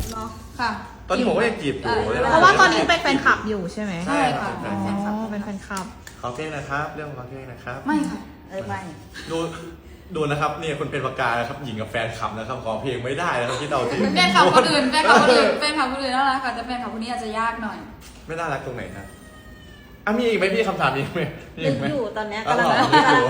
เนาะค่ะตอนนี้ผมก็ยังจีบอยู่เพราะว่าตอนนี้เป็นแฟนคลับอยู่ใช่ไหมใช่ค่ะอ๋อเป็นแฟนคลับขอเพลงนะครับเรื่องขอเพลงนะครับไม่ค่ะไม่ดูนะครับเนี่ยคนเป็นปากกานะครับหญิงกับแฟนคลับนะครับขอเพลงไม่ได้นะครับที่เราจริงแฟนคลับคนอื่นน่ารักค่ะแต่แฟนคลับคนนี้อาจจะยากหน่อยไม่น่ารักตรงไหนฮะมีอีกไหมพี่คำถามนี้ไหมมีนึอีกกไหมอยู่ตอนเนี้ยอ๋อกำลังเหรอนึกอยู่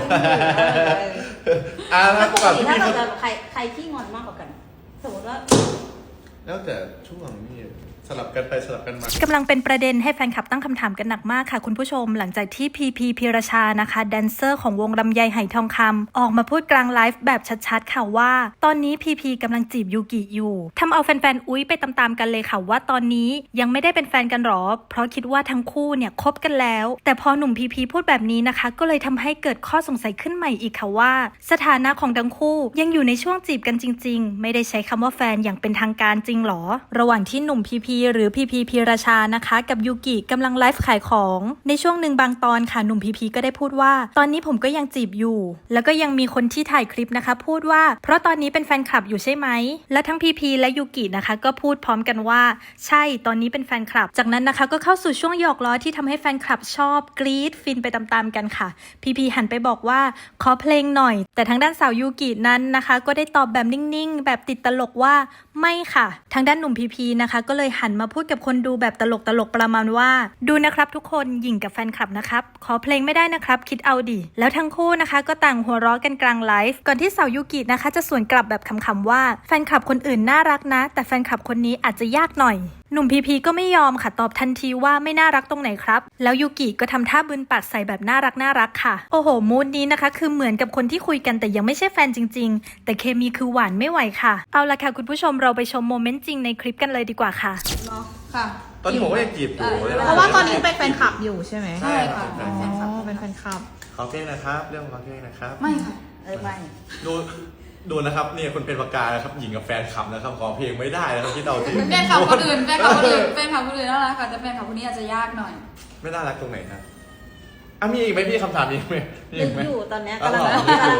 ถ้าปกก่อนติที่ถ้าพี่เราจะใครขี้งอนมากกว่ากัน สมมติว่าแล้วแต่ช่วงนี่สลับกันไปสลับกันมากำลังเป็นประเด็นให้แฟนคลับตั้งคำถามกันหนักมากค่ะคุณผู้ชมหลังจากที่พีพีพีรชานะคะแดนเซอร์ของวงลำไยไหทองคำออกมาพูดกลางไลฟ์แบบชัดๆค่ะว่าตอนนี้พีพีกำลังจีบยูกิอยู่ทำเอาแฟนๆอุ๊ยไปตามๆกันเลยค่ะว่าตอนนี้ยังไม่ได้เป็นแฟนกันหรอเพราะคิดว่าทั้งคู่เนี่ยคบกันแล้วแต่พอหนุ่มพีพีพูดแบบนี้นะคะก็เลยทำให้เกิดข้อสงสัยขึ้นใหม่อีกค่ะว่าสถานะของทั้งคู่ยังอยู่ในช่วงจีบกันจริงๆไม่ได้ใช้คำว่าแฟนอย่างเป็นทางการจริงหรอระหว่างที่หนุ่มพีพีหรือพีพีพีรชานะคะกับยูกิกำลังไลฟ์ขายของในช่วงหนึ่งบางตอนค่ะหนุ่มพีพีก็ได้พูดว่าตอนนี้ผมก็ยังจีบอยู่แล้วก็ยังมีคนที่ถ่ายคลิปนะคะพูดว่าเพราะตอนนี้เป็นแฟนคลับอยู่ใช่ไหมและทั้งพีพีและยูกินะคะก็พูดพร้อมกันว่าใช่ตอนนี้เป็นแฟนคลับจากนั้นนะคะก็เข้าสู่ช่วงหยอกล้อที่ทำให้แฟนคลับชอบกรี๊ดฟินไปตามๆกันค่ะพีพีหันไปบอกว่าขอเพลงหน่อยแต่ทางด้านสาวยูกินั้นนะคะก็ได้ตอบแบบนิ่งๆแบบติดตลกว่าไม่ค่ะทางด้านหนุ่มพีพีนะคะก็เลยหันมาพูดกับคนดูแบบตลกประมาณว่าดูนะครับทุกคนหยิ่งกับแฟนคลับนะครับขอเพลงไม่ได้นะครับคิดเอาดิแล้วทั้งคู่นะคะก็ต่างหัวเราะกันกลางไลฟ์ก่อนที่สาวยูกินะคะจะสวนกลับแบบขำๆว่าแฟนคลับคนอื่นน่ารักนะแต่แฟนคลับคนนี้อาจจะยากหน่อยหนุ่มพีพีก็ไม่ยอมค่ะตอบทันทีว่าไม่น่ารักตรงไหนครับแล้วยูกิก็ทำท่าบึนปากใส่แบบน่ารักค่ะโอ้โหมูดนี้นะคะคือเหมือนกับคนที่คุยกันแต่ยังไม่ใช่แฟนจริงๆแต่เคมีคือหวานไม่ไหวค่ะเอาละค่ะคุณผู้ชมเราไปชมโมเมนต์จริงในคลิปกันเลยดีกว่าค่ะเนาะค่ะตอนนี้ผมก็ยังจีบอยู่เพราะว่าตอนนี้เป็นแฟนคลับอยู่ใช่ไหมใช่ค่ะอ๋อเป็นแฟนคลับขอเพลงนะครับเรื่องขอเพลงนะครับไม่ค่ะไม่ดูนะครับเนี่ยคนเป็นปากกานะครับหญิงกับแฟนคลับนะครับขอเพลงไม่ได้นะครับที่เราจริงแฟนคลับคนอื่นน่ารักค่ะแต่แฟนคลับคนนี้อาจจะยากหน่อยไม่น่ารักตรงไหนฮะมีอีกไหมพี่คำถามนี้ไหมมีนึอีกกไหมอยู่ตอนเนี้ยอ๋อกำลังเหรอนึกอยู่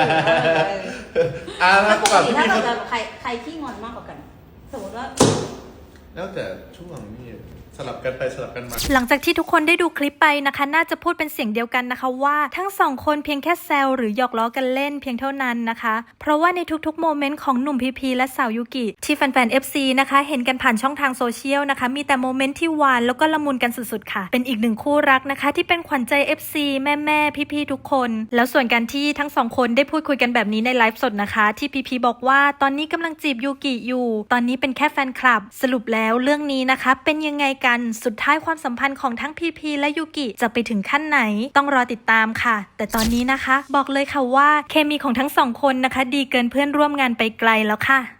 ถ้าปกก่อนติที่ถ้าพี่เราจะใครขี้งอนมากกว่ากัน สมมติว่าแล้วแต่ช่วงนี่สลับกันไปสลับกันมาหลังจากที่ทุกคนได้ดูคลิปไปนะคะน่าจะพูดเป็นเสียงเดียวกันนะคะว่าทั้งสองคนเพียงแค่แซวหรือหยอกล้อกันเล่นเพียงเท่านั้นนะคะเพราะว่าในทุกๆโมเมนต์ของหนุ่มพีพีและสาวยูกิที่แฟนๆ FC นะคะเห็นกันผ่านช่องทางโซเชียลนะคะมีแต่โมเมนต์ที่หวานแล้วก็ละมุนกันสุดๆค่ะเป็นอีกหนึ่งคู่รักนะคะที่เป็นขวัญใจ FC แม่ๆพี่ๆทุกคนแล้วส่วนการที่ทั้งสองคนได้พูดคุยกันแบบนี้ในไลฟ์สดนะคะที่พีพีบอกว่าตอนนี้กำลังจีบยูกิอยู่ตอนนี้เป็นแค่แฟนคลับสรุปแล้วเรื่องนี้นะคะเป็นยังไงกันสุดท้ายความสัมพันธ์ของทั้งพีพีและยูกิจะไปถึงขั้นไหนต้องรอติดตามค่ะแต่ตอนนี้นะคะบอกเลยค่ะว่าเคมีของทั้งสองคนนะคะดีเกินเพื่อนร่วมงานไปไกลแล้วค่ะ